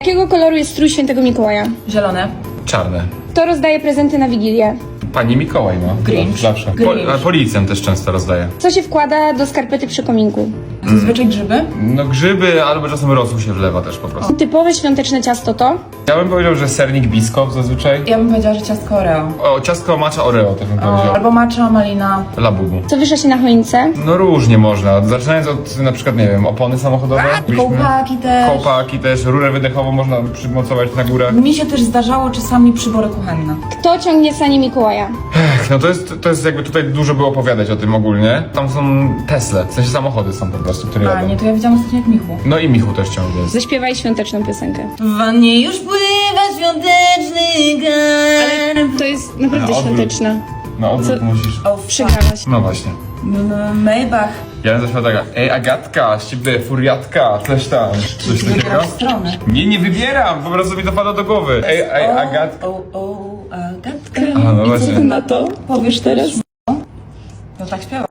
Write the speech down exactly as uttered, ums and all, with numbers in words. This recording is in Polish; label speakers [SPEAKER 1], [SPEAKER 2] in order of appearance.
[SPEAKER 1] Jakiego koloru jest strój świętego Mikołaja?
[SPEAKER 2] Zielone.
[SPEAKER 3] Czarne.
[SPEAKER 1] Kto rozdaje prezenty na Wigilię?
[SPEAKER 3] Pani Mikołaj, no.
[SPEAKER 2] Grinch.
[SPEAKER 3] Zawsze.
[SPEAKER 2] Grinch.
[SPEAKER 3] Po, a policjant też często rozdaje.
[SPEAKER 1] Co się wkłada do skarpety przy kominku?
[SPEAKER 2] Zazwyczaj grzyby.
[SPEAKER 3] No grzyby, albo czasem rosół się wlewa też po prostu.
[SPEAKER 1] Typowe świąteczne ciasto to?
[SPEAKER 3] Ja bym powiedział, że sernik biskop zazwyczaj.
[SPEAKER 2] Ja bym powiedziała, że ciastko Oreo.
[SPEAKER 3] O, ciastko matcha Oreo też bym
[SPEAKER 2] O,
[SPEAKER 3] powiedział.
[SPEAKER 2] albo matcha, malina.
[SPEAKER 3] Labubu.
[SPEAKER 1] Co wiesza się na choince?
[SPEAKER 3] No różnie można. Zaczynając od na przykład, nie wiem, opony samochodowe. Byliśmy-
[SPEAKER 2] Kołpaki też.
[SPEAKER 3] Kołpaki też, rurę wydechową można przymocować na górę.
[SPEAKER 2] Mi się też zdarzało czasami przybory kuchenne.
[SPEAKER 1] Kto ciągnie sanie Mikołaja?
[SPEAKER 3] Ech, no to jest, to jest jakby tutaj dużo by opowiadać o tym ogólnie. Tam są Tesle, w sensie samochody są po prostu, które
[SPEAKER 2] A,
[SPEAKER 3] jadą.
[SPEAKER 2] nie, to ja widziałam ostatnio jak Michu.
[SPEAKER 3] No i Michu też ciągle jest.
[SPEAKER 1] Zaśpiewaj świąteczną piosenkę.
[SPEAKER 2] W wannie już pływa świąteczny garn.
[SPEAKER 1] To jest naprawdę
[SPEAKER 3] Na odwrót.
[SPEAKER 1] świąteczna.
[SPEAKER 3] No odwrót
[SPEAKER 1] Co?
[SPEAKER 3] musisz.
[SPEAKER 2] O,
[SPEAKER 1] Przegrałaś.
[SPEAKER 3] No właśnie.
[SPEAKER 2] M- Maybach.
[SPEAKER 3] Ja bym zaśpiewał taka, ej Agatka, z ciebie furiatka, coś tam. Coś takiego?
[SPEAKER 2] Wybierasz stronę.
[SPEAKER 3] Nie, nie wybieram, po prostu mi to pada do głowy. Ej, ej Agatka.
[SPEAKER 2] O, o, Agatka.
[SPEAKER 3] A, no właśnie.
[SPEAKER 1] na to?
[SPEAKER 2] Powiesz
[SPEAKER 1] teraz?
[SPEAKER 2] No tak śpiewa.